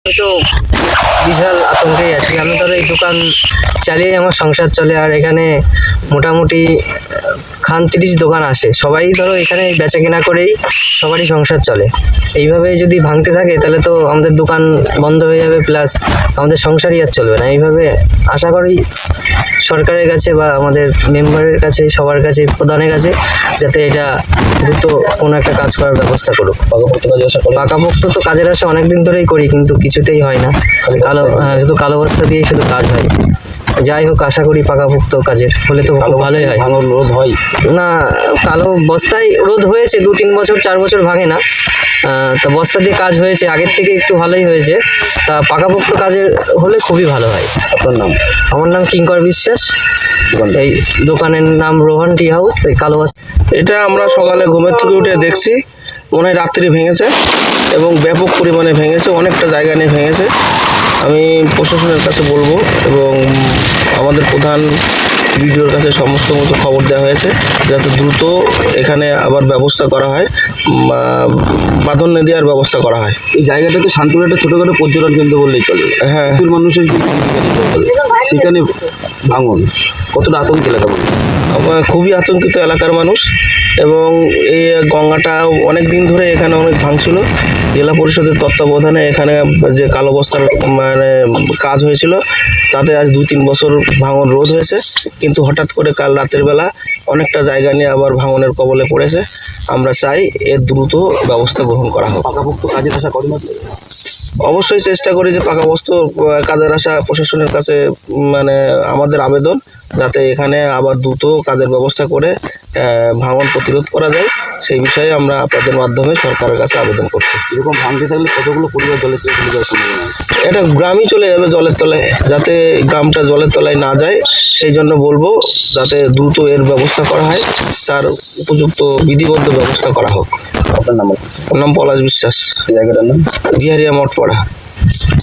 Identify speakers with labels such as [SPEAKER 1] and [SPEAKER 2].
[SPEAKER 1] তো বিশাল আতঙ্কেই আছি। আমি ধরো এই দোকান চালিয়ে আমার সংসার চলে, আর এখানে মোটামুটি খান 30 দোকান আসে, সবাই ধরো এখানে বেচা কেনা করেই সবারই সংসার চলে। এইভাবে যদি ভাঙতে থাকে তাহলে তো আমাদের দোকান বন্ধ হয়ে যাবে, প্লাস আমাদের সংসারই আর চলবে না। এইভাবে আশা করি সরকারের কাছে বা আমাদের মেম্বারের কাছে, সবার কাছে, প্রধানের কাছে, যাতে এটা দ্রুত কোনো একটা কাজ করার ব্যবস্থা করুক। পাকাপোক্ত তো কাজের আশা অনেকদিন ধরেই করি, কিন্তু কিছুতেই হয় না। শুধু কালো বস্তা দিয়ে শুধু কাজ হয়। যাই হোক, আশা করি পাকাপোক্ত কাজের হলে তো ভালোই হয়।
[SPEAKER 2] রোধ হয়
[SPEAKER 1] না, কালো বস্তায় রোধ হয়েছে 2-3 বছর, 4 বছর ভাঙে না। তা বস্তা দিয়ে কাজ হয়েছে, আগের থেকে একটু ভালোই হয়েছে। তা পাকাপোক্ত কাজের হলে খুবই ভালো হয়।
[SPEAKER 2] আপনার নাম?
[SPEAKER 1] আমার নাম কিঙ্কর বিশ্বাস। এই দোকানের নাম রোহন টি হাউস। এই কালো বস্তা
[SPEAKER 3] এটা আমরা সকালে ঘুমের থেকে উঠে দেখছি, মনে হয় রাত্রি ভেঙেছে এবং ব্যাপক পরিমাণে ভেঙেছে, অনেকটা জায়গা নিয়ে ভেঙেছে। আমি প্রশাসনের কাছে বলবো এবং আমাদের প্রধান ভিডিওর কাছে সমস্ত মতো খবর দেওয়া হয়েছে, যাতে দ্রুত এখানে আবার ব্যবস্থা করা হয়, বাঁধন দেওয়ার ব্যবস্থা করা হয়।
[SPEAKER 2] এই জায়গাটা তো শান্তিপুর একটা ছোটখাটো পর্যটন কেন্দ্র বললেই চলে।
[SPEAKER 3] হ্যাঁ,
[SPEAKER 2] প্রচুর মানুষের সেখানে ভাঙন, কতটা আতঙ্ক এলাকা মানুষ?
[SPEAKER 3] খুবই আতঙ্কিত এলাকার মানুষ। এবং এই গঙ্গাটা অনেক দিন ধরে এখানে অনেক ভাঙছিল। জেলা পরিষদের তত্ত্বাবধানে এখানে যে কালো বস্তার কাজ হয়েছিল, তাতে আজ 2-3 বছর ভাঙন রোধ হয়েছে, কিন্তু হঠাৎ করে কাল রাতের বেলা অনেকটা জায়গা নিয়ে আবার ভাঙনের কবলে পড়েছে। আমরা চাই এর দ্রুত ব্যবস্থা গ্রহণ করা হোক।
[SPEAKER 2] পাকাপোক্ত কাজের আশা করেন?
[SPEAKER 3] অবশ্যই চেষ্টা করি যে পাকাপোক্ত কাজের আশা প্রশাসনের কাছে আমাদের আবেদন, যাতে এখানে আবার দ্রুত কাজের ব্যবস্থা করে ভাঙন প্রতিরোধ করা যায়, সেই বিষয়ে আমরা আপনাদের মাধ্যমে সরকারের কাছে আবেদন করছি।
[SPEAKER 2] এরকম ভাঙতে থাকলে কতগুলো পরিবার জলের তলায় চলে যাওয়ার সম্ভাবনা আছে?
[SPEAKER 3] এটা গ্রামই চলে যাবে জলের তলায়, যাতে গ্রামটা জলের তলায় না যায় সেই জন্য বলবো, যাতে দ্রুত এর ব্যবস্থা করা হয়, তার উপযুক্ত বিধিবদ্ধ ব্যবস্থা করা হোক।
[SPEAKER 2] আপনার নাম?
[SPEAKER 3] নাম পলাশ বিশ্বাস।
[SPEAKER 2] জায়গাটার নাম?
[SPEAKER 3] বিহারিয়া মঠপাড়া।